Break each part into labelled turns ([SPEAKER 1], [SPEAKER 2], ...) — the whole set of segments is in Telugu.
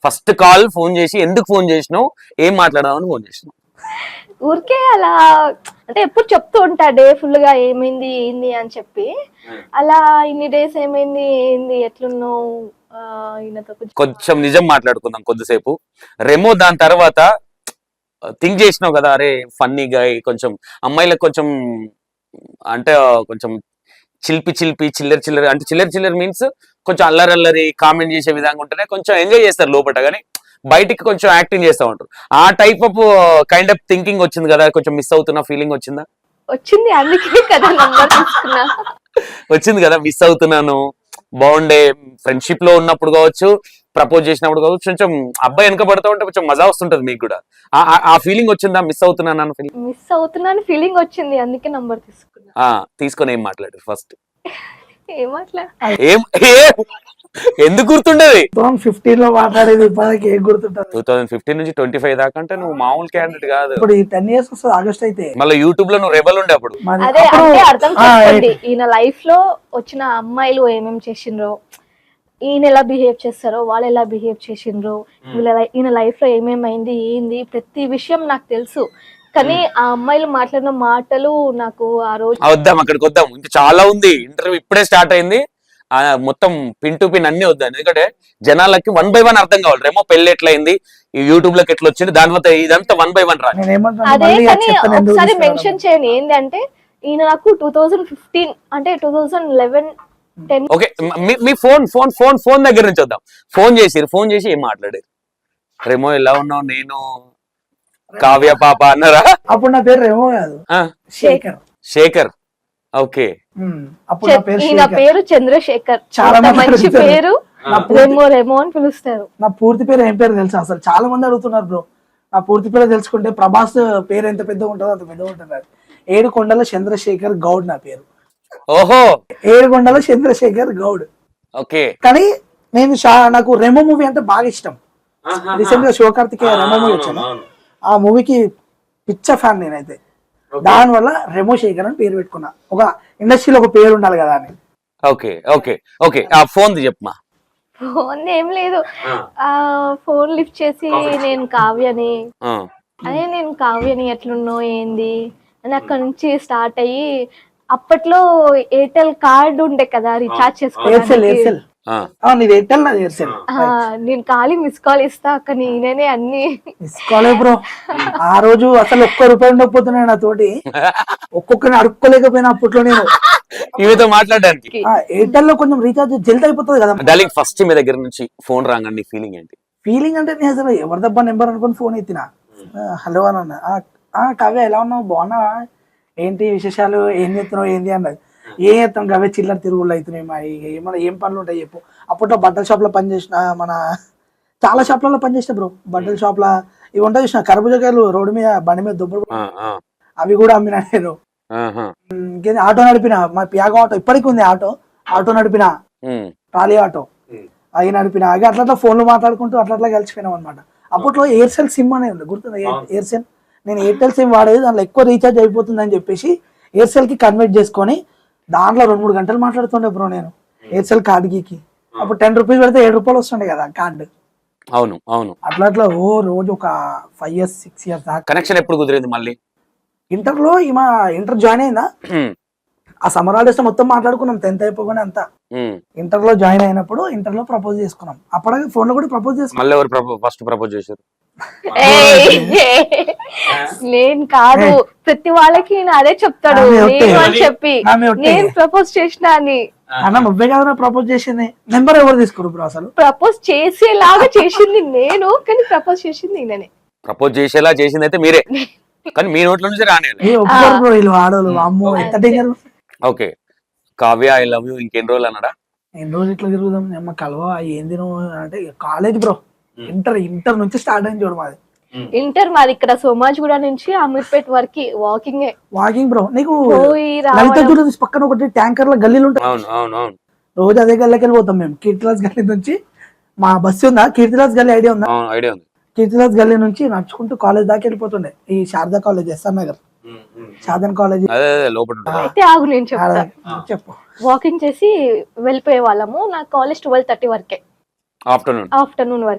[SPEAKER 1] ఫస్ట్ కాల్ ఫోన్ చేసి ఎందుకు ఫోన్ చేసినావు, ఏం మాట్లాడదామని ఫోన్ చేసినావు?
[SPEAKER 2] ఊరికే అలా అంటే ఎప్పుడు చెప్తూ ఉంటా డే ఫుల్ గా ఏమైంది ఏంది అని చెప్పి, అలా ఇన్ని డేస్ ఏమైంది ఏంది ఎట్లున్నావు ఈయనతో
[SPEAKER 1] కొంచెం నిజం మాట్లాడుకుందాం కొద్దిసేపు. రెమో దాని తర్వాత థింక్ చేసినావు కదా, అరే ఫన్నీగా కొంచెం అమ్మాయిలకు కొంచెం అంటే కొంచెం చిలిపి చిల్లర చిల్లర, అంటే చిల్లర చిల్లర మీన్స్ కొంచెం అల్లరి కామెంట్ చేసే విధంగా ఉంటేనే కొంచెం ఎంజాయ్ చేస్తారు లోపల, కానీ బయటికి కొంచెం యాక్టింగ్ చేస్తూ ఉంటారు. ఆ type of kind of thinking వచ్చింది కదా, కొంచెం మిస్ అవుతున్న ఫీలింగ్ వచ్చిందా?
[SPEAKER 2] వచ్చింది, అందుకే కదా నంబర్ తీసుకున్నా.
[SPEAKER 1] వచ్చింది కదా, మిస్ అవుతున్నాను, బాగుండే ఫ్రెండ్షిప్ లో ఉన్నప్పుడు కావచ్చు, ప్రపోజ్ చేసినప్పుడు కావచ్చు, కొంచెం అబ్బాయి వెనక పడుతూ ఉంటే కొంచెం మజా వస్తుంటది మీకు కూడా. ఆ ఫీలింగ్ వచ్చిందా, మిస్ అవుతున్నాను ఫీలింగ్?
[SPEAKER 2] మిస్ అవుతున్నాను ఫీలింగ్ వచ్చింది, అందుకే నంబర్ తీసుకున్నా.
[SPEAKER 1] తీసుకొని ఏం మాట్లాడారు ఫస్ట్?
[SPEAKER 2] ఏం మాట్లాడ
[SPEAKER 1] ఎందుకు గుర్తుండేది?
[SPEAKER 3] 2015 లో మాట్లాడేది ఇప్పటికి ఏం గుర్తుంటది?
[SPEAKER 1] 2015 నుంచి 25 దాకా అంటే నువ్వు మామూలు క్యాండిడేట్ కాదు.
[SPEAKER 3] ఇప్పుడు ఈ 10 years వస్తుంది ఆగస్ట్ అయితే.
[SPEAKER 1] మళ్ళీ యూట్యూబ్ లో నువ్వు రెబల్ ఉండే అప్పుడు.
[SPEAKER 2] అదే అంటే అర్థం చేసుకోండి, ఈయన లైఫ్ లో వచ్చిన అమ్మాయిలు ఏమేమి చేసిండ్రో, ఈయన ఎలా బిహేవ్ చేస్తారో, వాళ్ళు ఎలా బిహేవ్ చేసిండ్రో, ఈయన లైఫ్ లో ఏమేమైంది ఏంది ప్రతి విషయం నాకు తెలుసు. కానీ ఆ అమ్మాయిలు మాట్లాడిన మాటలు నాకు ఆ రోజు
[SPEAKER 1] వద్దాం, అక్కడికి వద్దాం, ఇంకా చాలా ఉంది. ఇంటర్వ్యూ ఇప్పుడే స్టార్ట్ అయింది, మొత్తం పిన్ టు పిన్ అన్ని వద్దాం. ఎందుకంటే జనాలకి 1 by 1 అర్థం కావాలి. రేమో పెళ్లి ఎట్లయింది, ఈ యూట్యూబ్ లోకి ఎట్లా వచ్చింది, దాని తర్వాత ఇదంతా 1 by 1 రాదు.
[SPEAKER 2] అదే కానీ ఒకసారి మెన్షన్ చేయండి ఏంటంటే, ఈయన నాకు 2015 అంటే 2011 10.
[SPEAKER 1] ఓకే, మీ ఫోన్ దగ్గర నుంచి వద్దాం. ఫోన్ చేసి ఏం మాట్లాడారు? రేమో ఎలా ఉన్నావు, నేను కావ్య పాప అన్నారా?
[SPEAKER 3] అప్పుడు నా పేరు రేమో కాదు,
[SPEAKER 1] శేఖర్. ఓకే,
[SPEAKER 3] అప్పుడు నా పేరు
[SPEAKER 2] ఈయన పేరు చంద్రశేఖర్, చాలా మంచి పేరు, రేమో అని పిలుస్తారు.
[SPEAKER 3] నా పూర్తి పేరు ఏం పేరు తెలుసా? అసలు చాలా మంది అడుగుతున్నారు బ్రో. నా పూర్తి పేరు తెలుసుకుంటే ప్రభాస్ పేరు ఎంత పెద్దగా ఉంటుందో అంత పెద్దగా ఉంటుంది. ఏడుకొండల చంద్రశేఖర్ గౌడ్ నా పేరు.
[SPEAKER 1] ఓహో,
[SPEAKER 3] ఏడుకొండల చంద్రశేఖర్ గౌడ్.
[SPEAKER 1] ఓకే.
[SPEAKER 3] కానీ నేను నాకు రెమో మూవీ అంటే బాగా ఇష్టం. రీసెంట్ గా శివకార్తికేయ రెమో మూవీ వచ్చింది, ఆ మూవీకి పిచ్చ ఫ్యాన్ నేనైతే. దాని వల్ల రెమో శేఖర్ అని పేరు పెట్టుకున్నా. ఒక ఇండస్ట్రీలో ఒక పేరు ఉండాలి కదా అని.
[SPEAKER 1] ఓకే ఓకే ఓకే, ఆ ఫోన్ చెప్పమా.
[SPEAKER 2] ఫోన్ ఏం లేదు, ఆ ఫోన్ లిఫ్ట్ చేసి నేను కావ్యని, అదే నేను కావ్యని ఎట్లున్నావు ఏంది అని అక్కడ నుంచి స్టార్ట్ అయ్యి, అప్పట్లో ఎయిర్టెల్ కార్డు ఉండే కదా రీఛార్జ్ చేసుకోవాలి. నేను ఖాళీ మిస్ కాల్ ఇస్తా అక్క, నేనే అన్ని
[SPEAKER 3] మిస్ కాలే బ్రో. ఆ రోజు అసలు ₹1 ఉండకపోతున్నాయి నా తోటి, ఒక్కొక్కరిని అడుక్కోలేకపోయినా అప్పట్లో నేను
[SPEAKER 1] ఇవితో మాట్లాడడానికి.
[SPEAKER 3] ఎయిర్టెల్ లో కొంచెం రీఛార్జ్ జల్ది అయిపోతుంది కదా.
[SPEAKER 1] డార్లింగ్, ఫస్ట్ మీ దగ్గర నుంచి ఫోన్ రాగానే ఫీలింగ్ ఏంటి?
[SPEAKER 3] ఫీలింగ్ అంటే నేను అసలు ఎవరిదబ్బా నెంబర్ అనుకుని ఫోన్ ఎత్తిన. హలో అని అన్న. కావ్య ఎలా ఉన్నావు, బాగున్నావా, ఏంటి విశేషాలు, ఏం చేస్తున్నావు ఏంది అన్నది. ఏం చేస్తాం కావ్య, చిల్లర తిరుగుళ్ళు అవుతున్నాయి మా, ఏమన్నా ఏం పనులు ఉంటాయి చెప్పు. అప్పట్లో బట్టల షాప్ లో పనిచేసిన, మన చాలా షాప్లలో పనిచేసిన బ్రో. బట్టల షాప్ లో ఇవి ఉంటాయి చూసిన, కర్బూజకాయలు రోడ్డు మీద బండి మీద దుబ్బలు, అవి కూడా అమ్మినా నేను. ఆటో నడిపిన, మా పియాగో ఆటో ఇప్పటికి ఉంది, ఆటో నడిపిన, ట్రాలీ ఆటో అవి నడిపిన. అవి అట్లా ఫోన్లు మాట్లాడుకుంటూ అట్లా కలిసిపోయినాం అనమాట. అప్పట్లో ఎయిర్సెల్ సిమ్ అనేది ఉంది, గుర్తుంది ఎయిర్సెల్. నేను ఎయిర్టెల్ సిమ్ వాడేది, దాంట్లో ఎక్కువ రీఛార్జ్ అయిపోతుంది అని చెప్పేసి ఎయిర్సెల్ కి కన్వర్ట్ చేసుకొని దాంట్లో 2-3 గంటలు మాట్లాడుతుండే బ్రో నేను ఎయిర్సెల్ కార్డుకి. అప్పుడు ₹10 పెడితే ₹7 వస్తుండే కదా కార్డు.
[SPEAKER 1] అవును అవును.
[SPEAKER 3] అట్లా ఓ రోజు ఒక 5 years 6 years దాకా.
[SPEAKER 1] కనెక్షన్ ఎప్పుడు కుదిరింది మళ్ళీ?
[SPEAKER 3] ఇంటర్ లో ఇంటర్ జాయిన్ అయిందా, ఆ సమ్మర్ హాలిడేస్ మొత్తం మాట్లాడుకున్నాం 10th అయిపోగానే అంతా. ఇంటర్ లో జాయిన్ అయినప్పుడు ఇంటర్ లో ప్రపోజ్ చేసుకున్నాం. అప్పటికే ఫోన్ లో కూడా ప్రపోజ్ చేసుకున్నాం.
[SPEAKER 1] మళ్ళీ ఎవరు ఫస్ట్ ప్రపోజ్ చేశారు?
[SPEAKER 2] నేను కాదు, ప్రతి వాళ్ళకి నేను అదే చెప్తాడు నేను అని చెప్పి, నేను ప్రపోజ్ చేసిన అని.
[SPEAKER 3] అన్న నువ్వే కదా ప్రపోజ్ చేసింది, నెంబర్ ఎవరు తీసుకురు బ్రో? అసలు
[SPEAKER 2] ప్రపోజ్ చేసేలాగా చేసింది నేను, కానీ ప్రపోజ్ చేసింది నేనే.
[SPEAKER 1] ప్రపోజ్ చేసేలా చేసింది అయితే మీరే, కానీ మీ నోట్ల నుంచి రాలేదు.
[SPEAKER 3] వీళ్ళు ఆడోళ్ళు అమ్మో ఎంత danger.
[SPEAKER 1] Okay, Kavya I love you ఇంకెన్ని రోజులు అన్నాడా?
[SPEAKER 3] ఎన్ని రోజులు ఇట్లా తిరుగుదాం అమ్మ కలవా ఏంది నువ్వు అంటే, కాలేజ్ బ్రో. ఇంటర్ నుంచి స్టార్ట్ అయింది చూడు మాది.
[SPEAKER 2] ఇంటర్ మాది ఇక్కడ సోమాజిగూడ నుంచి అమీర్పేట్ వరకు వాకింగ్
[SPEAKER 3] బ్రో. నీకు పక్కన ఒకటి ట్యాంకర్ల గల్లీలు ఉంటాయి, రోజు అదే గల్లీకి వెళ్ళిపోతాం మేము. కీర్తిలాస్ గల్లీ నుంచి మా బస్సు ఉందా, కీర్తిలాస్ గల్లీ ఐడియా ఉందా?
[SPEAKER 1] ఐడియా ఉంది.
[SPEAKER 3] కీర్తిలాస్ గల్లీ నుంచి నడుచుకుంటూ కాలేజ్ దాకా వెళ్ళిపోతుండే. ఈ Sharada college, SR Nagar Sharada college.
[SPEAKER 2] అయితే ఆగు నేను
[SPEAKER 3] చెప్పు.
[SPEAKER 2] వాకింగ్ చేసి వెళ్ళిపోయే వాళ్ళము. నా కాలేజ్ 12:30 వరకే, ఆఫ్టర్నూన్ వరకే.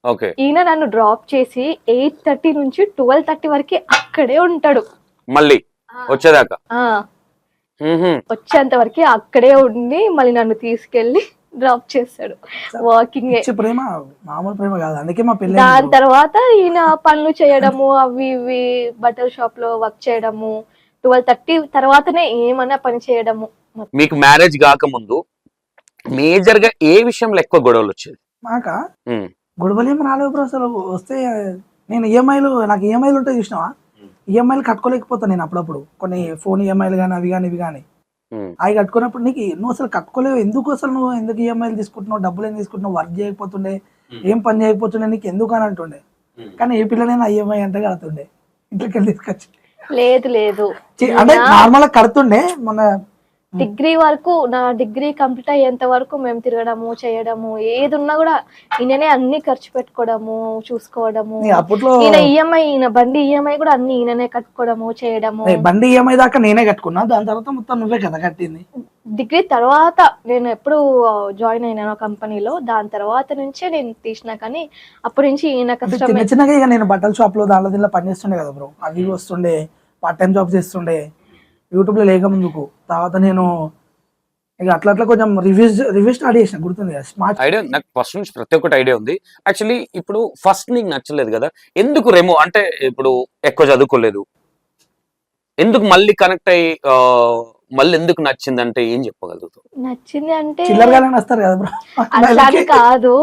[SPEAKER 1] ఓకే.
[SPEAKER 2] ఈయన నన్ను డ్రాప్ చేసి 8:30 నుంచి 12:30 వరకు అక్కడే ఉంటాడు.
[SPEAKER 1] మళ్ళీ వచ్చేదాకా
[SPEAKER 2] ఆ వచ్చేంత వరకు అక్కడే ఉండి మళ్ళీ నన్ను తీసుకెళ్లి డ్రాప్ చేస్తాడు. వాకింగ్.
[SPEAKER 3] పిచ్చి ప్రేమ మామూలు ప్రేమ కాదు, అందుకే మా పెళ్లి
[SPEAKER 2] దాని తర్వాత ఈయన పనులు చేయడము, అవి ఇవి బట్టల షాప్ లో వర్క్ చేయడము, 12:30 తర్వాతనే ఏమన్నా పని చేయడము.
[SPEAKER 1] మీకు మ్యారేజ్ కాకముందు మేజర్ గా ఏ విషయంలో ఎక్కువ గొడవలు వచ్చేది?
[SPEAKER 3] మాక గొడవలు ఏమి రాలేవు బ్రో. అసలు వస్తే నేను నాకు ఈఎంఐలు ఉంటాయి చూసినావా, ఈఎంఐలు కట్టుకోలేకపోతాను నేను అప్పుడప్పుడు. కొన్ని ఫోన్ ఈఎంఐలు కానీ అవి కానీ ఇవి కానీ అవి కట్టుకున్నప్పుడు నీకు నువ్వు అసలు కట్టుకోలేవు, నువ్వు ఎందుకు ఈఎంఐలు తీసుకుంటున్నావు, డబ్బులు ఏం తీసుకుంటున్నావు, వర్క్ చేయకపోతుండే, ఏం పని చేయకపోతుండే, నీకు ఎందుకు అని అంటుండే. కానీ ఏ పిల్లనైనా ఈఎంఐ అంటే కడుతుండే, ఇంట్లోకి వెళ్ళి తీసుకొచ్చి.
[SPEAKER 2] లేదు
[SPEAKER 3] అంటే నార్మల్ గా కడుతుండే. మన
[SPEAKER 2] డిగ్రీ వరకు, నా డిగ్రీ కంప్లీట్ అయ్యేంత వరకు మేము తిరగడము చేయడము, ఏది ఉన్నా కూడా ఈయననే అన్ని ఖర్చు పెట్టుకోవడము, చూసుకోవడము.
[SPEAKER 3] అప్పట్లో
[SPEAKER 2] ఈయన ఈఎంఐ, ఈయన బండి ఈఎంఐ కూడా అన్ని ఈయననే కట్టుకోవడము చేయడము.
[SPEAKER 3] బండి ఈఎంఐ దాకా నేనే కట్టుకున్నా, దాని తర్వాత మొత్తం నువ్వే కదా కట్టింది.
[SPEAKER 2] డిగ్రీ తర్వాత నేను ఎప్పుడు జాయిన్ అయినాను కంపెనీలో, దాని తర్వాత నుంచే నేను తీసినా. కానీ అప్పటి నుంచి ఈయన
[SPEAKER 3] చిన్న చిన్నగా ఇక నేను బట్టల షాప్ లో దాంట్లో దీనిలో పని చేస్తుండే కదా బ్రో, అవి వస్తుండే, పార్ట్ టైం జాబ్ చేస్తుండే యూట్యూబ్ లో లేక ముందుకు. తర్వాత నేను ఇక అట్లా కొంచెం రివ్యూ స్టార్ట్ చేసిన, గుర్తుంది కదా స్మార్ట్
[SPEAKER 1] ఐడియా. నాకు ఫస్ట్ నుంచి ప్రతి ఒక్కటి ఐడియా ఉంది. యాక్చువల్లీ ఇప్పుడు ఫస్ట్ నీకు నచ్చలేదు కదా, ఎందుకు రెమో అంటే ఇప్పుడు ఎక్కువ చదువుకోలేదు, ఎందుకు మళ్ళీ కనెక్ట్ అయ్యి మళ్ళీ ఎందుకు నచ్చింది అంటే ఏం చెప్పగలుగుతావు?
[SPEAKER 2] నచ్చింది అంటే
[SPEAKER 3] చిల్లరగానే వస్తారు కదా బ్రో,
[SPEAKER 2] అట్లా కాదు,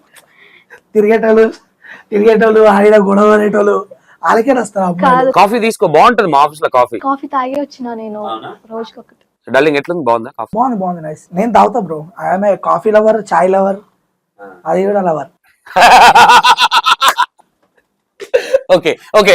[SPEAKER 3] తిరిగేటోళ్ళు ఆడిన గొడవ అనేటోళ్ళు వాళ్ళకే వస్తారు.
[SPEAKER 1] కాఫీ తీసుకో, బాగుంటది మా ఆఫీస్ లో కాఫీ.
[SPEAKER 2] కాఫీ తాగి వచ్చిన నేను రోజుకొకటి.
[SPEAKER 1] డార్లింగ్ ఎట్లుంది, బాగుందా కాఫీ?
[SPEAKER 3] బాగుంది నైస్. నేను తాగుతా bro, I'm coffee lover, chai lover, అది కూడా లవర్.
[SPEAKER 1] Okay okay.